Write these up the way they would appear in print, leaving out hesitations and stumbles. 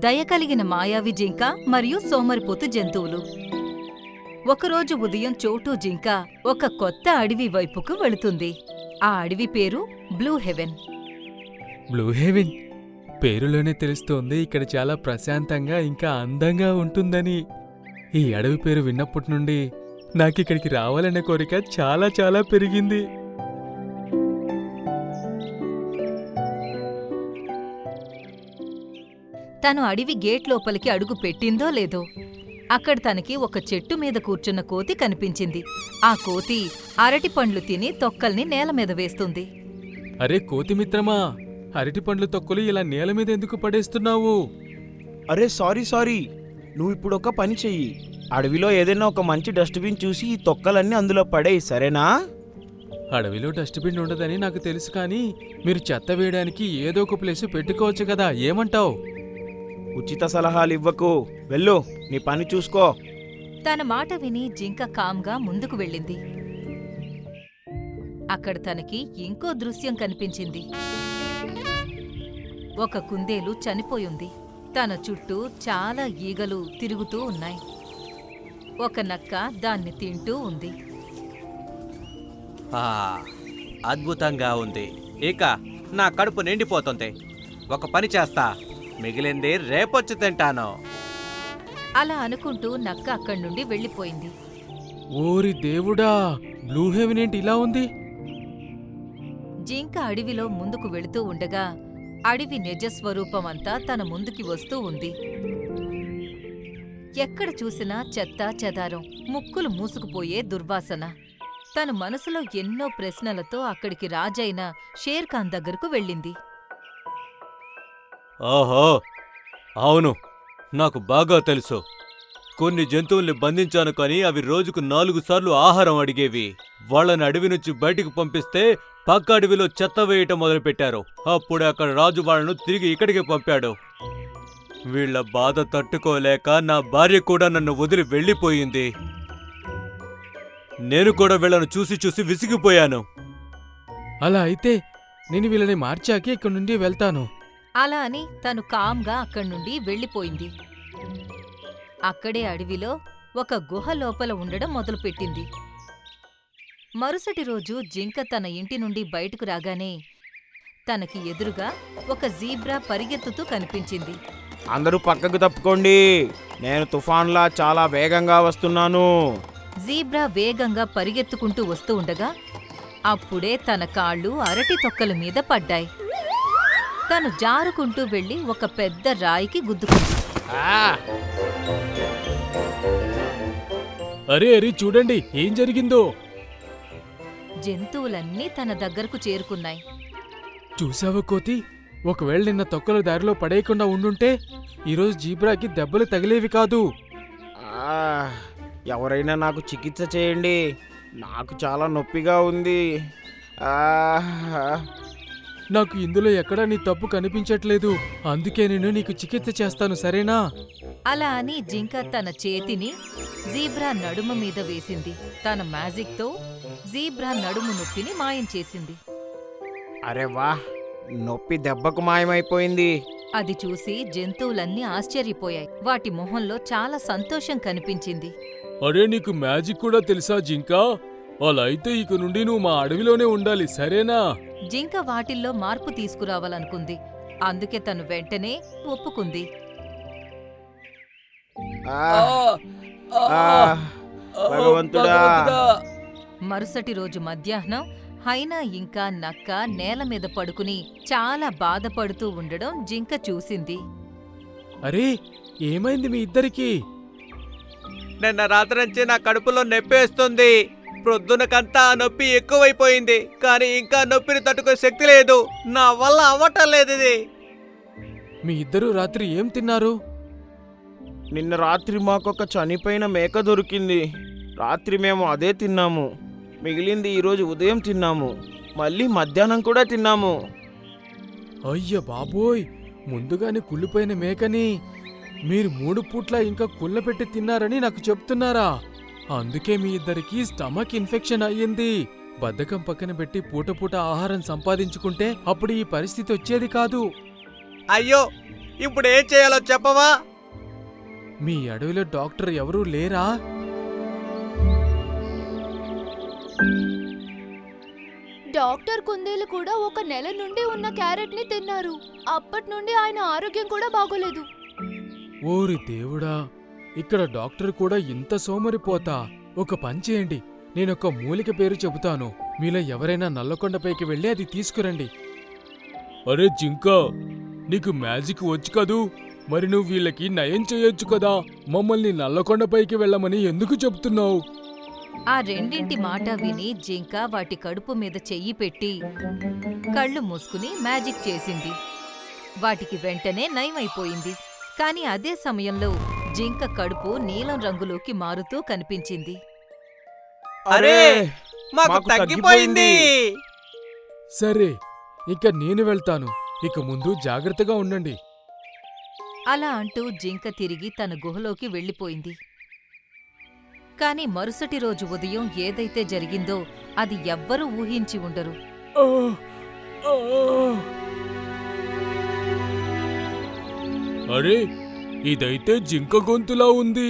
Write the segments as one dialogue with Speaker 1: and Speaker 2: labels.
Speaker 1: దయ కలిగిన మాయావి జింక మరియు సోమరిపోతు జంతువులు. ఒకరోజు ఉదయం చోటు జింక ఒక కొత్త అడవి వైపుకు వెళుతుంది. ఆ అడవి పేరు బ్లూ హెవెన్.
Speaker 2: బ్లూ హెవెన్ పేరులోనే తెలుస్తోంది ఇక్కడ చాలా ప్రశాంతంగా ఇంకా అందంగా ఉంటుందని. ఈ అడవి పేరు విన్నప్పటి నుండి నాకిక్కడికి రావాలనే కోరిక చాలా చాలా పెరిగింది.
Speaker 1: తను అడవి గేట్ లోపలికి అడుగు పెట్టిందో లేదో అక్కడ తనకి ఒక చెట్టు మీద కూర్చున్న కోతి కనిపించింది. ఆ కోతి అరటి పండ్లు తిని తొక్కల్ని నేల మీద వేస్తుంది.
Speaker 2: అరే కోతి మిత్రమా, అరటి పండ్లు తొక్కులు ఇలా నేల మీద ఎందుకు పడేస్తున్నావు?
Speaker 3: అరే సారీ, నువ్వు ఇప్పుడు ఒక పని చెయ్యి. అడవిలో ఏదైనా ఒక మంచి డస్ట్బిన్ చూసి ఈ తొక్కలన్నీ అందులో పడేయి, సరేనా?
Speaker 2: అడవిలో డస్ట్బిన్ ఉండదని నాకు తెలుసు, కానీ మీరు చెత్త వేయడానికి ఏదో ఒక ప్లేసు పెట్టుకోవచ్చు కదా, ఏమంటావ్?
Speaker 3: ఉచిత సలహాలు ఇవ్వకు, వెళ్ళు, నీ పని చూసుకో.
Speaker 1: తన మాట విని జింక కామ్గా ముందుకు వెళ్ళింది. అక్కడ తనకి ఇంకో దృశ్యం కనిపించింది. ఒక కుందేలు చనిపోయింది. తన చుట్టూ చాలా ఈగలు తిరుగుతూ ఉన్నాయి. ఒక నక్క దాన్ని తింటూ ఉంది.
Speaker 4: అద్భుతంగా ఉంది. ఇక నా కడుపు నిండిపోతుంది. ఒక పని చేస్తా, మిగిలింది రేపొచ్చి తింటాను.
Speaker 1: అలా అనుకుంటూ నక్క అక్కడి నుండి వెళ్ళిపోయింది.
Speaker 2: ఓరి దేవుడా, బ్లూ హెవెన్ ఏంటి ఇలా ఉంది?
Speaker 1: జింక అడవిలో ముందుకు వెళుతూ ఉండగా అడవి నిజస్వరూపమంతా తన ముందుకి వస్తూ ఉంది. ఎక్కడ చూసినా చెత్త చెదారం, ముక్కులు మూసుకుపోయే దుర్వాసన. తన మనసులో ఎన్నో ప్రశ్నలతో అక్కడికి రాజైన షేర్ఖాన్ దగ్గరకు వెళ్ళింది.
Speaker 4: ఓహో, అవును, నాకు బాగా తెలుసు. కొన్ని జంతువుల్ని బంధించాను, కానీ అవి రోజుకు 4 సార్లు ఆహారం అడిగేవి. వాళ్ళని అడవి నుంచి బయటికి పంపిస్తే పక్క అడవిలో చెత్త వేయటం మొదలుపెట్టారు. అప్పుడే అక్కడ రాజు వాళ్ళను తిరిగి ఇక్కడికి పంపాడు. వీళ్ల బాధ తట్టుకోలేక నా భార్య కూడా నన్ను వదిలి వెళ్ళిపోయింది. నేను కూడా వీళ్ళను చూసి చూసి విసిగిపోయాను.
Speaker 2: అలా అయితే నేను వీళ్ళని మార్చాకే ఇక్కడి నుండి వెళ్తాను.
Speaker 1: అలా అని తను కామ్గా అక్కడి నుండి వెళ్ళిపోయింది. అక్కడే అడవిలో ఒక గుహ లోపల ఉండడం మొదలుపెట్టింది. మరుసటి రోజు జింక తన ఇంటి నుండి బయటకు రాగానే తనకి ఎదురుగా ఒక జీబ్రా పరిగెత్తుతూ కనిపించింది.
Speaker 3: అందరూ పక్కకు తప్పుకోండి, నేను తుఫాన్లా చాలా వేగంగా వస్తున్నాను.
Speaker 1: జీబ్రా వేగంగా పరిగెత్తుకుంటూ వస్తూ ఉండగా అప్పుడే తన కాళ్ళు అరటి తొక్కల మీద పడ్డాయి. తను జారుకుంటూ వెళ్లి ఒక పెద్ద రాయికి గుద్దుకుంది.
Speaker 2: అరే అరే, చూడండి ఏం జరిగిందో.
Speaker 1: జంతువులన్నీ తన దగ్గరకు చేరుకున్నాయి.
Speaker 2: చూసావా కోతి, ఒకవేళ నిన్న తొక్కలు దారిలో పడేయకుండా ఉండుంటే ఈరోజు జీబ్రాకి దెబ్బలు తగిలేవి కాదు.
Speaker 3: ఎవరైనా నాకు చికిత్స చేయండి, నాకు చాలా నొప్పిగా ఉంది.
Speaker 2: నాకు ఇందులో ఎక్కడా నీ తప్పు కనిపించట్లేదు, అందుకే నేను నీకు చికిత్స చేస్తాను, సరేనా?
Speaker 1: అలా అని జింక తన చేతిని జీబ్రా నడుము మీద వేసింది. తన మ్యాజిక్తో జీబ్రా నడుము నొప్పిని మాయం చేసింది.
Speaker 3: అరే వా, నొప్పి దెబ్బకు మాయమైపోయింది.
Speaker 1: అది చూసి జంతువులన్నీ ఆశ్చర్యపోయాయి. వాటి మొహంలో చాలా సంతోషం కనిపించింది.
Speaker 2: అరే, నీకు మ్యాజిక్ కూడా తెలుసా జింకా? అలా అయితే ఇక నుండి నువ్వు మా అడవిలోనే ఉండాలి, సరేనా?
Speaker 1: జింక వాటిల్లో మార్పు తీసుకురావాలనుకుంది. అందుకే తను వెంటనే ఒప్పుకుంది.
Speaker 3: భగవంతుడా!
Speaker 1: మరుసటి రోజు మధ్యాహ్నం హైనా ఇంకా నక్క నేల మీద పడుకుని చాలా బాధపడుతూ ఉండడం జింక చూసింది.
Speaker 2: అరే, ఏమైంది మీ ఇద్దరికీ?
Speaker 4: నిన్న రాత్రి నుంచి నా కడుపులో నొప్పేస్తుంది. ప్రొద్దునకంతా ఆ నొప్పి ఎక్కువైపోయింది, కానీ ఇంకా నొప్పిని తట్టుకునే శక్తి లేదు. నా వల్ల అవ్వటం లేదు ఇది.
Speaker 2: మీ ఇద్దరూ రాత్రి ఏం తిన్నారు?
Speaker 3: నిన్న రాత్రి మాకొక చనిపోయిన మేక దొరికింది. రాత్రి మేము అదే తిన్నాము. మిగిలింది ఈరోజు ఉదయం తిన్నాము, మళ్ళీ మధ్యాహ్నం కూడా తిన్నాము.
Speaker 2: అయ్య బాబోయ్, ముందుగానే కుళ్ళిపోయిన మేకని మీరు 3 పూట్ల ఇంకా కుళ్ళపెట్టి తిన్నారని నాకు చెప్తున్నారా? అందుకే మీ ఇద్దరికీ స్టమక్ ఇన్ఫెక్షన్ అయ్యింది. బద్ధకం పక్కన పెట్టి పూట పూట ఆహారం సంపాదించుకుంటే అప్పుడు ఈ పరిస్థితి వచ్చేది కాదు.
Speaker 4: అయ్యో, ఇప్పుడు ఏం చేయాలో చెప్పవా?
Speaker 2: మీ అడవిలో డాక్టర్ ఎవరూ లేరా?
Speaker 5: డాక్టర్ కుందేలు కూడా 1 నెల నుండి ఉన్న క్యారెట్ ని తిన్నారు. అప్పటి నుండి ఆయన ఆరోగ్యం కూడా బాగోలేదు.
Speaker 2: ఓరి దేవుడా, ఇక్కడ డాక్టర్ కూడా ఇంత సోమరిపోతా. ఒక పని చేయండి, నేనొక మూలిక పేరు చెబుతాను, మీలో ఎవరైనా నల్లకొండపైకి వెళ్ళి అది తీసుకురండి. అరే జింకా, నీకు మ్యాజిక్ వచ్చు కదూ, మరి నువ్వు వీళ్ళకి నయం చేయొచ్చు కదా. మమ్మల్ని నల్లకొండపైకి వెళ్ళమని ఎందుకు చెప్తున్నావు?
Speaker 1: ఆ రెండింటి మాట విని జింక వాటి కడుపు మీద చెయ్యి పెట్టి కళ్ళు మూసుకుని మ్యాజిక్ చేసింది. వాటికి వెంటనే నయమైపోయింది. కాని అదే సమయంలో జింక కడుపు నీలం రంగులోకి మారుతూ కనిపించింది.
Speaker 3: అరే
Speaker 4: మాకు తగ్గిపోయింది.
Speaker 2: సరే, ఇక నేను వెళ్తాను. ఇక ముందు జాగ్రత్తగా ఉండండి.
Speaker 1: అలా అంటూ జింక తిరిగి తన గుహలోకి వెళ్ళిపోయింది. కాని మరుసటి రోజు ఉదయం ఏదైతే జరిగిందో అది ఎవ్వరూ ఊహించి ఉండరు.
Speaker 2: ఆ, ఆ. అరే, ఇదైతే జింక గొంతులా ఉంది.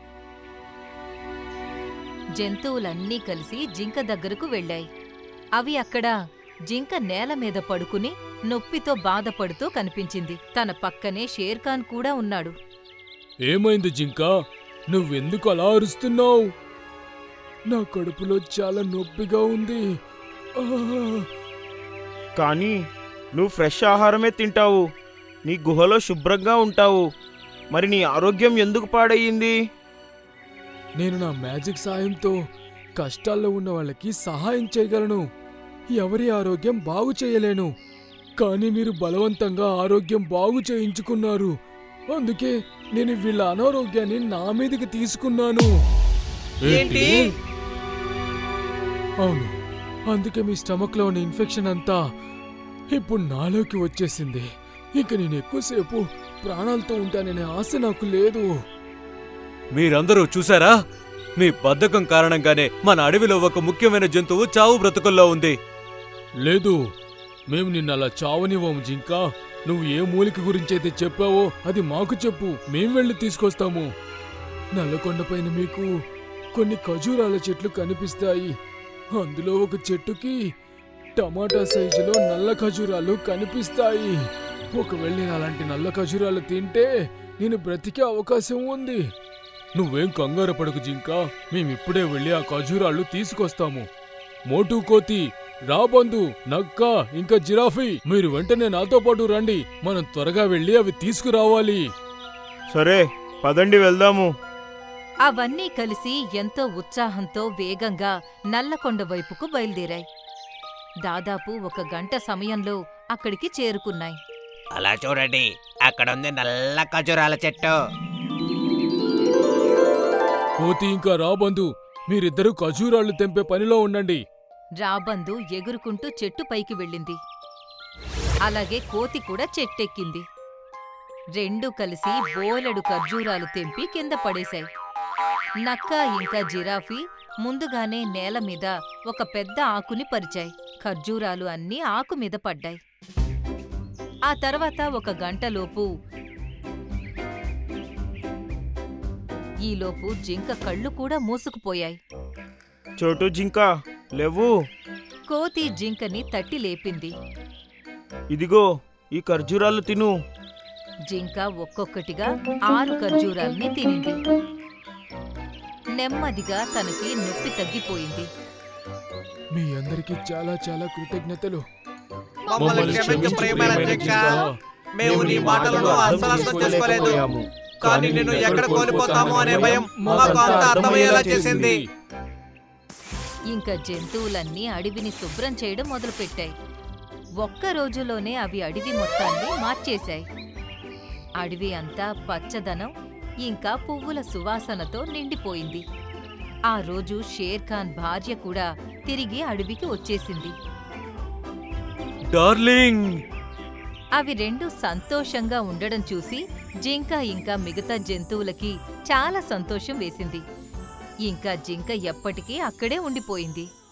Speaker 1: జంతువులన్నీ కలిసి జింక దగ్గరకు వెళ్ళాయి. అవి అక్కడ జింక నేల మీద పడుకుని నొప్పితో బాధపడుతూ కనిపించింది. తన పక్కనే షేర్ఖాన్ కూడా ఉన్నాడు.
Speaker 2: ఏమైంది జింకా, నువ్వెందుకు అలా అరుస్తున్నావు? నా కడుపులో చాలా నొప్పిగా ఉంది. ఆ.
Speaker 3: కానీ నువ్వు ఫ్రెష్ ఆహారమే తింటావు, నీ గుహలో శుభ్రంగా ఉంటావు, మరి నీ ఆరోగ్యం ఎందుకు పాడయ్యింది?
Speaker 2: నేను నా మ్యాజిక్ సాయంతో కష్టాల్లో ఉన్న వాళ్ళకి సహాయం చేయగలను, ఎవరి ఆరోగ్యం బాగు చేయలేను. కానీ మీరు బలవంతంగా ఆరోగ్యం బాగు చేయించుకున్నారు. అందుకే నేను వీళ్ళ అనారోగ్యాన్ని నా మీదకి తీసుకున్నాను.
Speaker 4: ఏంటి?
Speaker 2: అవును, అందుకే మీ స్టమక్లో ఉన్న ఇన్ఫెక్షన్ అంతా ఇప్పుడు నాలోకి వచ్చేసింది. ఇక నేను ఎక్కువసేపు ప్రాణాలతో ఉంటాననే ఆశ నాకు లేదు.
Speaker 4: మీరందరూ చూసారా? మీ బద్ధకం కారణంగానే మన అడవిలో ఒక ముఖ్యమైన జంతువు చావు బ్రతుకుల్లో ఉంది.
Speaker 2: లేదు, మేము నిన్నలా చావనివ్వము జింకా. నువ్వు ఏ మూలిక గురించైతే చెప్పావో అది మాకు చెప్పు, మేం వెళ్ళి తీసుకొస్తాము. నల్లకొండపైన మీకు కొన్ని ఖజూరాల చెట్లు కనిపిస్తాయి. అందులో ఒక చెట్టుకి టమాటా సైజులో నల్ల ఖజూరాలు కనిపిస్తాయి. ఒకవేళ నేను అలాంటి నల్ల ఖజూరాలు తింటే నేను బ్రతికే అవకాశం ఉంది. నువ్వేం కంగారు పడకు జింకా, మేమిప్పుడే వెళ్ళి ఆ ఖజూరాలు తీసుకొస్తాము. మోటు కోతి, రాబందు, నక్క, ఇంకా జిరాఫీ, మీరు వెంటనే నాతో పాటు రండి. మనం త్వరగా వెళ్ళి అవి తీసుకురావాలి.
Speaker 3: సరే, పదండి వెళ్దాము.
Speaker 1: అవన్నీ కలిసి ఎంతో ఉత్సాహంతో వేగంగా నల్లకొండ వైపుకు బయలుదేరాయి. దాదాపు 1 గంట సమయంలో అక్కడికి చేరుకున్నాయి.
Speaker 6: అలా చూడండి, అక్కడ ఉంది నల్ల ఖజూరాల చెట్టు.
Speaker 2: కోతి ఇంకా రాబందు, మీరిద్దరూ ఖజూరాలు తెంపే పనిలో ఉండండి.
Speaker 1: రాబందు ఎగురుకుంటూ చెట్టు పైకి వెళ్ళింది. అలాగే కోతి కూడా చెట్టెక్కింది. రెండూ కలిసి బోలెడు ఖర్జూరాలు తెంపి కింద పడేశాయి. నక్క ఇంకా జిరాఫీ ముందుగానే నేల మీద ఒక పెద్ద ఆకుని పరిచాయి. ఖర్జూరాలు అన్నీ ఆకు మీద పడ్డాయి. ఆ తర్వాత 1 గంటలోపు ఈలోపు జింక కళ్ళు కూడా మూసుకుపోయాయి.
Speaker 3: చోటు జింక, లేవు.
Speaker 1: కోతి జింకని తట్టి లేపింది.
Speaker 3: ఇదిగో ఈ ఖర్జూరాలు తిను.
Speaker 1: జింక ఒక్కొక్కటిగా 6 ఖర్జూరాల్ని తినింది. నెమ్మదిగా తనకి నొప్పి తగ్గిపోయింది.
Speaker 2: మీ అందరికీ చాలా చాలా కృతజ్ఞతలు.
Speaker 4: మమ్మల్ని క్షమించు ప్రియమైన జింక. మేము నీ మాటలను అస్సలు అర్థం చేసుకోలేదు. కానీ నిన్ను ఎక్కడ కోల్పోతామో అనే భయం మాకు అంతా అర్థమయ్యేలా చేసింది.
Speaker 1: ఇంకా జంతువులన్నీ అడవిని శుభ్రం చేయడం మొదలుపెట్టాయి. 1 రోజులోనే అవి అడవి మొత్తాన్ని మార్చేశాయి. అడవి అంతా పచ్చదనం ఇంకా పువ్వుల సువాసనతో నిండిపోయింది. ఆ రోజు షేర్ఖాన్ భార్య కూడా తిరిగి అడవికి వచ్చేసింది.
Speaker 4: డార్లింగ్,
Speaker 1: అవి రెండు సంతోషంగా ఉండడం చూసి జింక ఇంకా మిగతా జంతువులకి చాలా సంతోషం వేసింది. ఇంకా జింక ఎప్పటికీ అక్కడే ఉండిపోయింది.